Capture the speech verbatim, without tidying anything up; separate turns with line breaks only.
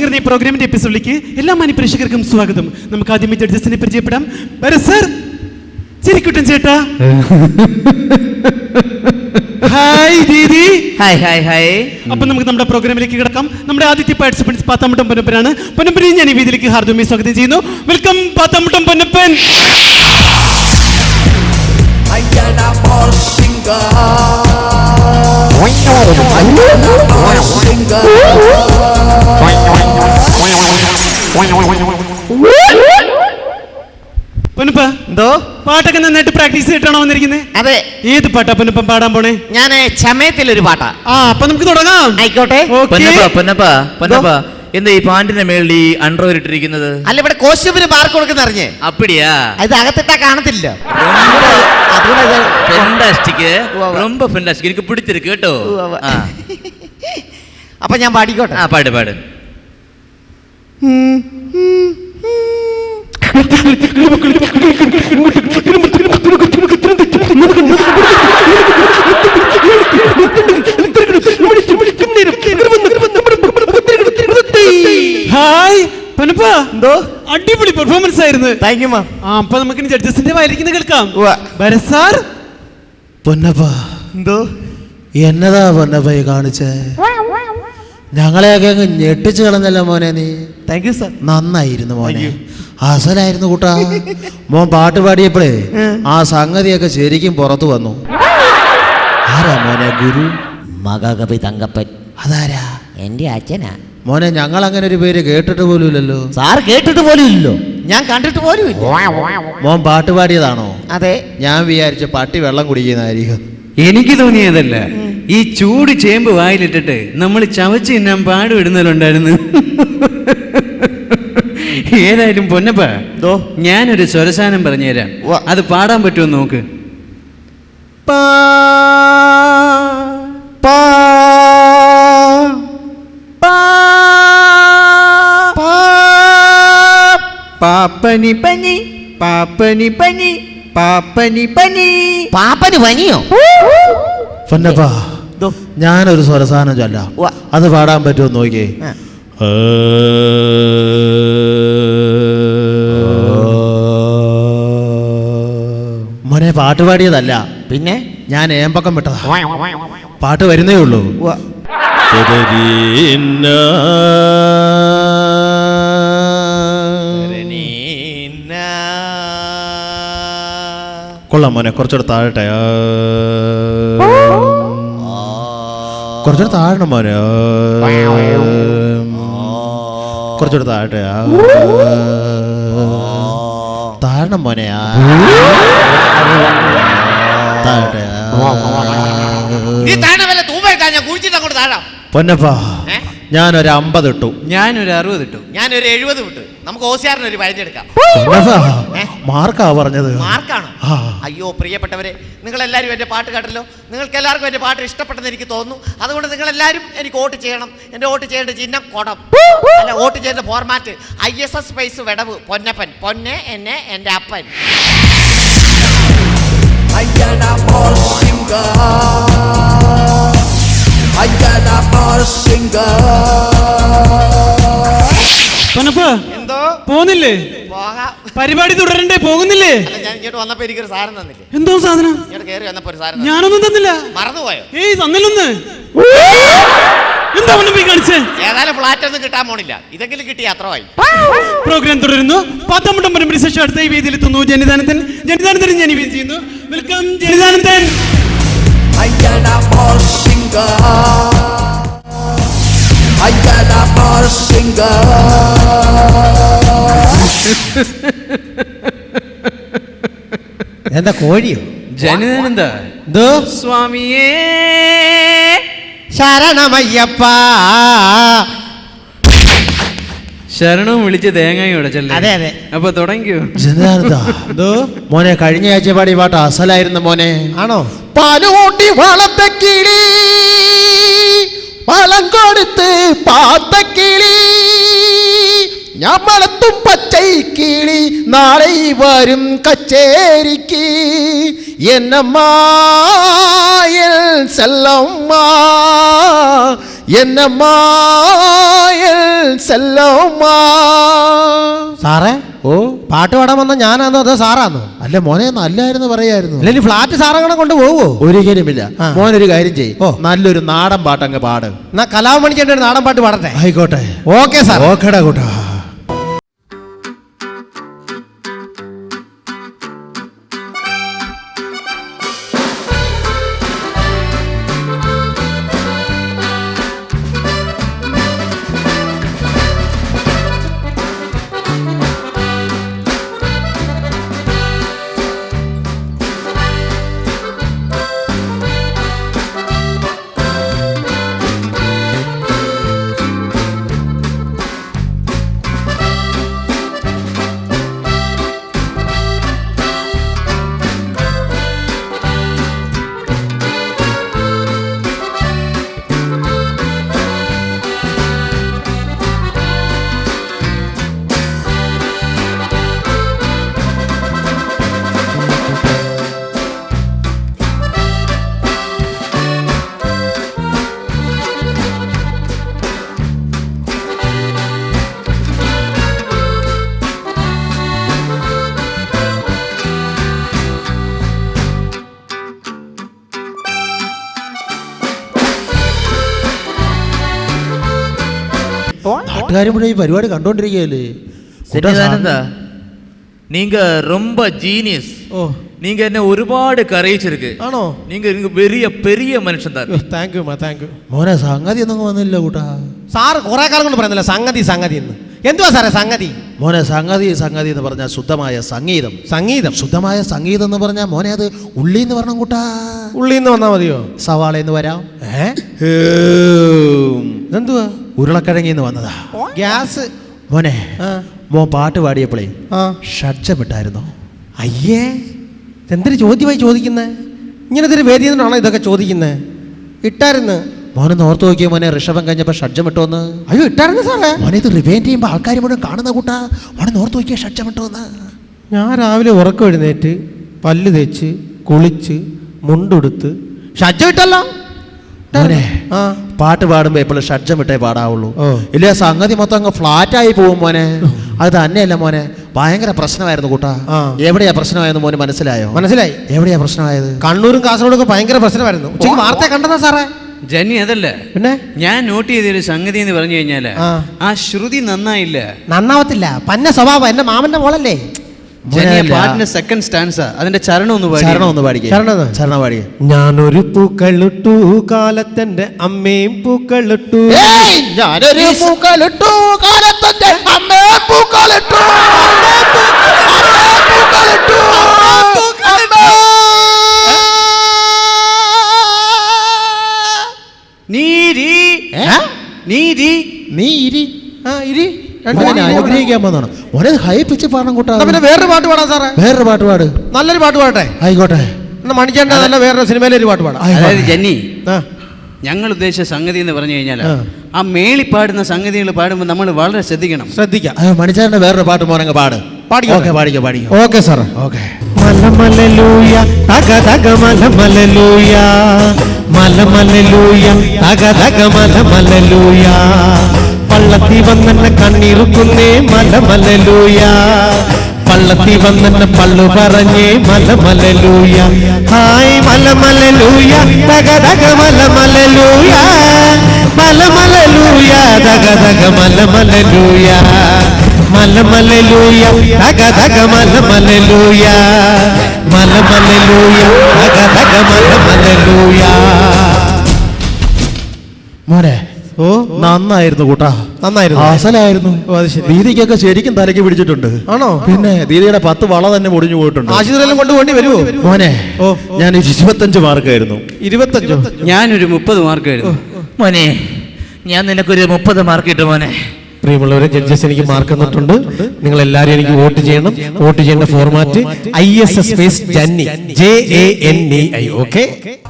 പറഞ്ഞ ഈ പ്രോഗ്രാമിന്റെ എപ്പിസോഡിലേക്ക് എല്ലാ മാന്യപ്രേക്ഷകർക്കും സ്വാഗതം. നമുക്ക് ആദ്യമേ ജഡ്ജസിനെ പരിചയപ്പെടാം. സർ, ചിരിക്കുട്ടൻ ചേട്ടാ. ഹായ് ദീദി.
Hi hi hi.
അപ്പൊ നമുക്ക് നമ്മുടെ പ്രോഗ്രാമിലേക്ക് കിടക്കാം. നമ്മുടെ ആദ്യത്തെ പാർട്ടിസിപ്പൻസ് പാത്താമുട്ടം പൊന്നപ്പനാണ്. പൊന്നപ്പനെ ഞാൻ ഈ വേദിയിലേക്ക് ഹാർദവമായി സ്വാഗതം ചെയ്യുന്നു. വെൽക്കം പാത്താമുട്ടം പൊന്നപ്പൻ. പൊന്നപ്പ, എന്തോ പാട്ടൊക്കെ നന്നായിട്ട് പ്രാക്ടീസ് ചെയ്തിട്ടാണോ വന്നിരിക്കുന്നത്?
അതെ.
ഏത് പാട്ടാ പൊന്നപ്പൻ പാടാൻ പോണേ?
ഞാൻ ചമയത്തിലൊരു പാട്ടാ.
ആ, അപ്പൊ നമുക്ക് തുടങ്ങാം.
ആയിക്കോട്ടെ.
എന്താ ഈ പാന്റിന്റെ മേളിൽ ഈ അണ്ടർവെയർ ഇട്ടിരിക്കുന്നത്?
അല്ല, ഇവിടെ കോസ്റ്റ്യൂമിന് മാർക്ക് കൊടുക്കുന്ന അറിഞ്ഞേ.
അപ്പടിയാ?
ഇത് അകത്തിട്ടാ കാണത്തില്ല.
എനിക്ക് പിടിച്ചിരിക്കും കേട്ടോ.
അപ്പൊ ഞാൻ പാടിക്കോട്ടെ.
ആ, പാട് പാട്.
ഹായ് പൊന്നപ്പ,
എന്തോ
അടിപൊളി പെർഫോമൻസ് ആയിരുന്നു.
Thank you ma'am.
ആ, അപ്പൊ നമുക്ക് ജഡ്ജസിന്റെ വായിരിക്കുന്ന കേൾക്കാം.
സാർ.
പൊന്നപ്പ,
എന്തോ
എന്നതാ പൊന്നപ്പ കാണിച്ചേ? ഞങ്ങളെയൊക്കെ അങ്ങ് ഞെട്ടിച്ചു കളഞ്ഞല്ലോ മോനെ നീ.
Thank you sir.
നന്നായിരുന്നു മോനെ, അസലായിരുന്നു കൂട്ടാ. മോൻ പാട്ട് പാടിയപ്പോഴേ ആ സംഗതിയൊക്കെ ശരിക്കും പുറത്തു വന്നു. ആരാ മോനെ ഗുരു?
മഹാകവി തങ്കപ്പൻ.
അതാരാ?
എന്റെ അച്ഛനാ
മോനെ. ഞങ്ങൾ അങ്ങനെ ഒരു പേര് കേട്ടിട്ട് പോലും ഇല്ലല്ലോ.
സാർ കേട്ടിട്ട് പോലും ഇല്ലല്ലോ, ഞാൻ കണ്ടിട്ട് പോലും ഇല്ല.
മോൻ പാട്ട് പാടിയതാണോ?
അതെ.
ഞാൻ വിചാരിച്ച പട്ടി വെള്ളം കുടിക്കുന്നതായിരിക്കും.
എനിക്ക് തോന്നിയതല്ല, ഈ ചൂട് ചേമ്പ് വായിലിട്ടിട്ട് നമ്മൾ ചവച്ച് തിന്നാൻ പാടുവിടുന്നതിലുണ്ടായിരുന്നു. ഏതായാലും പൊന്നപ്പ, ഞാനൊരു സ്വരസാനം പറഞ്ഞുതരാം, അത് പാടാൻ പറ്റുമോ നോക്ക്. പാപ്പനി പനി പാപ്പനി പനി പാപ്പനി പനി.
പാപ്പന് പനിയോ?
പൊന്നപ്പ, ഞാനൊരു സ്വരസാനം ചൊല്ലാം, അത് പാടാൻ പറ്റുമോ നോക്കിയേ. മോനെ പാട്ട് പാടിയതല്ല,
പിന്നെ
ഞാൻ ഏമ്പക്കം വിട്ടതാ. പാട്ട് വരുന്നേ ഉള്ളൂ. കൊള്ളാം മോനെ, കുറച്ചുകൂടെ താഴട്ടെ. കുറച്ചുകൂടെ താഴണം മോനെ, കുറച്ചുകൂടെ താഴട്ടെ. താഴണം മോനെ, താഴട്ടെ. പൊന്നപ്പ, ഞാനൊരു അമ്പത് ഇട്ടു.
ഞാനൊരു അറുപത് ഇട്ടു.
ഞാനൊരു എഴുപത് വിട്ടു. നമുക്ക് ഓസിയാറിന് ഒരു പതിനെടുക്കാം.
മാർക്കാ പറഞ്ഞത്.
മാർക്കാണ്? അയ്യോ പ്രിയപ്പെട്ടവരെ, നിങ്ങൾ എല്ലാവരും എൻ്റെ പാട്ട് കേട്ടല്ലോ. നിങ്ങൾക്ക് എല്ലാവർക്കും എൻ്റെ പാട്ട് ഇഷ്ടപ്പെട്ടെന്ന് എനിക്ക് തോന്നുന്നു. അതുകൊണ്ട് നിങ്ങൾ എല്ലാവരും എനിക്ക് വോട്ട് ചെയ്യണം. എൻ്റെ വോട്ട് ചെയ്യേണ്ട ചിഹ്നം കുടം, അല്ല വോട്ട് ചെയ്യേണ്ട format I S S space വിടവ് പൊന്നപ്പൻ. പൊന്നെ എന്നെ എൻ്റെ അപ്പൻ.
എന്തോ പോന്നില്ലേ? പരിപാടി തുടരണ്ടേ? പോകുന്നില്ലേ?
ഞാൻ ഇങ്ങോട്ട് വന്നപ്പോ എനിക്കൊരു സാധനം തന്നില്ലേ?
എന്തോ സാധനം?
ഇങ്ങോട്ട് കയറി വന്നപ്പോ ഒരു സാധനം.
ഞാനൊന്നും തന്നില്ല.
മറന്നുപോയോ?
ഏയ് തന്നില്ലൊന്ന്. എന്താ പൊന്നപ്പ കാണിച്ചേ?
ഏതായാലും ഫ്ലാറ്റ് ഒന്നും കിട്ടാൻ പോണില്ല, ഇതെങ്കിലും കിട്ടി അത്രമായി.
പ്രോഗ്രാം തുടരുന്നു. പാത്താമുട്ടം പരമ്പര ശേഷം അടുത്ത ഈ വേദിയിൽ എത്തുന്നു ജനിതാനന്ദൻ. ജനിതാനന്ദൻ ഞാൻ ഈ വേദി ചെയ്യുന്നു. വെൽക്കം ജനിതാനന്ദൻ.
എന്താ കോഴിയോ?
ജനിതാനന്ദ.
എന്തോ?
സ്വാമിയേ
ശരണമയ്യപ്പ.
ശരണവും വിളിച്ച് തേങ്ങയും ഉടച്ചല്ലേ?
അതെ അതെ.
അപ്പൊ തുടങ്ങിയോ?
എന്തോ മോനെ, കഴിഞ്ഞ ആഴ്ച പാടി പാട്ട് അസലായിരുന്നു മോനെ.
ആണോ?
പാലുകൂട്ടി വളർത്ത കിളി, വളം കൊടുത്ത് പാത്ത കിളി, ഞമ്മളത്തും പച്ചൈ കിളി, നാളെ വരും കച്ചേരിക്ക് എന്നമ്മായൽ സെല്ലമ്മ, എന്നമ്മാ செல்லம்மா.
സാറേ
ഓ
പാട്ട് പാടാൻ വന്ന ഞാനാന്നോ അതോ സാറാന്നോ?
അല്ല മോനെ നല്ലായിരുന്നു പറയായിരുന്നു.
അല്ലെങ്കിൽ ഫ്ലാറ്റ് സാറങ്ങനെ കൊണ്ട് പോവോ?
ഒരിക്കലുമില്ല.
ആ.
മോനൊരു കാര്യം ചെയ്യ്,
ഓ.
നല്ലൊരു നാടൻ പാട്ടങ്ങ് പാട്.
എന്നാ കലാമണിക്കേണ്ട ഒരു നാടൻ പാട്ട് പാടട്ടെ?
ആയിക്കോട്ടെ.
Okay sir.
ഓക്കെടാ കൂട്ടാ. നാട്ടുകാരും കൂടെ ഈ പരിപാടി കണ്ടോണ്ടിരിക്കുകയല്ലേ.
സന്നിധാനന്ദ, நீங்க ரொம்ப ஜீனியஸ்.
ഓ
நீங்க என்ன ஒருபாடு கரைச்சிருக்கு.
ആണോ?
நீங்க நீங்க பெரிய பெரிய மனுஷன் தான்.
Thank you thank you.
മോനെ സംഗതി ഒന്നും വന്നില്ല കൂട്ടാ.
സാറ് കുറെ കാലം കൊണ്ട് പറയുന്നില്ല സംഗതി സംഗതി എന്ന്. എന്തുവാ സാറേ സംഗതി?
മോനെ സംഗതി സംഗതി എന്ന് പറഞ്ഞാൽ ശുദ്ധമായ സംഗീതം.
സംഗീതം.
ശുദ്ധമായ സംഗീതം എന്ന് പറഞ്ഞാൽ മോനെ അത് ഉള്ളി എന്ന് പറഞ്ഞ കൂട്ടാ.
ഉള്ളിന്ന് വന്നാ മതിയോ?
സവാള എന്ന് വരാം.
ഏ ഇതെന്തുവാ?
ഉരുളക്കിഴങ്ങിന്ന് വന്നതാ.
ഗ്യാസ്.
മോനെ
ആ
മോൻ പാട്ട് പാടിയപ്പോഴേ
ആ
ഷഡ്ജമിട്ടായിരുന്നു.
അയ്യേ എന്തൊരു ചോദ്യമായി ചോദിക്കുന്നേ? ഇങ്ങനത്തെ ഒരു വേദിയിൽ നിന്നാണോ ഇതൊക്കെ ചോദിക്കുന്നേ? ഇട്ടായിരുന്നു.
മോനൊന്ന് ഓർത്ത് നോക്കിയ മോനെ, ഋഷഭം കഴിഞ്ഞപ്പോൾ ഷഡ്ജമിട്ടോന്ന്.
അയ്യോ ഇട്ടായിരുന്നു സാറേ.
മോനെ ഇത് റിവൈൻഡ് ചെയ്യുമ്പോൾ ആൾക്കാർ മുഴുവൻ കാണുന്ന കൂട്ടാ. മോനെ ഓർത്ത് നോക്കിയ ഷഡ്ജമിട്ടോന്ന്.
ഞാൻ രാവിലെ ഉറക്കം എഴുന്നേറ്റ് പല്ല് തേച്ച് കുളിച്ച് മുണ്ടെടുത്ത് ഷഡ്ജം ഇട്ടല്ലോ.
മോനെ
ആ
പാട്ട് പാടുമ്പോ എപ്പോഴും ഷഡ്ജമിട്ടേ പാടാവുള്ളൂ.
ഓ.
ഇല്ല സംഗതി മൊത്തം അങ്ങ് ഫ്ലാറ്റായി പോകും മോനെ. അത് തന്നെയല്ല മോനെ, ഭയങ്കര പ്രശ്നമായിരുന്നു കൂട്ടാ.
ആ.
എവിടെയാ പ്രശ്നമായെന്ന് മോന് മനസ്സിലായോ?
മനസ്സിലായി.
എവിടെയാ പ്രശ്നമായത്?
കണ്ണൂരും കാസർഗോഡും ഒക്കെ ഭയങ്കര പ്രശ്നമായിരുന്നു. ഉച്ചയ്ക്ക് വാർത്ത കണ്ടതാ സാറേ.
ജന്നി അതല്ല,
പിന്നെ
ഞാൻ നോട്ട് ചെയ്തൊരു സംഗതി എന്ന് പറഞ്ഞു കഴിഞ്ഞാല്
ആ.
ആ ശ്രുതി നന്നായില്ല.
നന്നാവത്തില്ല. പന്ന സ്വഭാവം. എന്റെ മാമന്റെ മോളല്ലേ.
ജന്നി
മോനെ,
പാട്ടിന്റെ സെക്കൻഡ് സ്റ്റാൻസ അതിന്റെ ചരണം ഒന്ന് പാടി.
ചരണം ഒന്ന് പാടിക്കേ.
ചരണം ഒന്ന്.
ചരണം പാടിക്കേ.
ഞാനൊരു പൂക്കളിട്ടു കാലത്തെന്റെ അമ്മയും പൂക്കളിട്ടു.
ഞാനൊരു പൂക്കളിട്ടു കാലത്തന്റെ അമ്മേ പൂക്കളിട്ടു.
നീരി നീരി
നീ ഇരി.
ആ ഇരി.
മോനെ അനുഗ്രഹിക്കാൻ വന്നാണ് മോനെ. ഹൈ പിച്ച് പാടണം കൂട്ടാ.
എന്നാ പിന്നെ വേറൊരു പാട്ട് പാടാം സാറേ.
വേറൊരു പാട്ട് പാട്.
നല്ലൊരു പാട്ട് പാടട്ടെ?
ആയിക്കോട്ടെ.
എന്നാ മണിച്ചേണ്ട നല്ല വേറൊരു സിനിമയിലെ ഒരു പാട്ട് പാടാം.
അതായത് ജന്നി,
ആ
ഞങ്ങൾ ഉദ്ദേശിച്ച സംഗതി എന്ന് പറഞ്ഞു കഴിഞ്ഞാൽ
ആ.
ആ മേളി പാടുന്ന സംഗതികൾ പാടുമ്പോൾ നമ്മൾ വളരെ ശ്രദ്ധിക്കണം.
ശ്രദ്ധിക്കാം.
മണിച്ചാറിന്റെ വേറൊരു പാട്ട് മോനങ്ങ് പാട്.
പാടിക്കോ.
ഓക്കെ പാടിക്കോ പാടിക്കോ.
ഓക്കെ സാറേ.
ഓക്കെ.
മലമലലൂയ തക തക മലമലലൂയ മലമലലൂയ തക തക മലമലലൂയ പള്ളത്തി വന്നെന്നെ കണ്ണീറുക്കുന്നേ മലമലലൂയ പള്ളത്തി വന്നെന്നെ പള്ളു പറഞ്ഞേ മലമലലൂയ ഹായ് മലമലലൂയ തക തക മലമലലൂയ മലമലലൂയ തക തക മലമലലൂയ മലമലലൂയ തക തക മലമലലൂയ മലമലലൂയ തക തക മലമലലൂയ.
മോനെ
ഓ
നന്നായിരുന്നു കൂട്ടാ.
നന്നായിരുന്നു.
അസലായിരുന്നു.
ഓ, അത് ശരി.
ദീദിക്കൊക്കെ ശരിക്കും തലയ്ക്ക് പിടിച്ചിട്ടുണ്ട്.
ആണോ?
പിന്നെ ദീദിയുടെ പത്ത് വള തന്നെ പൊടിഞ്ഞു പോയിട്ടുണ്ട്.
ആശുപത്രിയിലും കൊണ്ടുപോണ്ടി വരുമോ?
മോനെ
ഓ
ഞാൻ ഇരുപത്തഞ്ച് മാർക്കായിരുന്നു.
ഇരുപത്തഞ്ചോ?
ഞാനൊരു മുപ്പത് മാർക്ക് ആയിരുന്നു.
മോനെ, ഞാൻ നിനക്കൊരു മുപ്പത് മാർക്ക് കിട്ടും മോനെ.
പ്രിയമുള്ളവരെ, ജഡ്ജസ് എനിക്ക് മാർക്ക് തന്നിട്ടുണ്ട്. നിങ്ങൾ എല്ലാവരും എനിക്ക് വോട്ട് ചെയ്യണം. വോട്ട് ചെയ്യേണ്ട format I S S space Janni, J A N E I. Okay.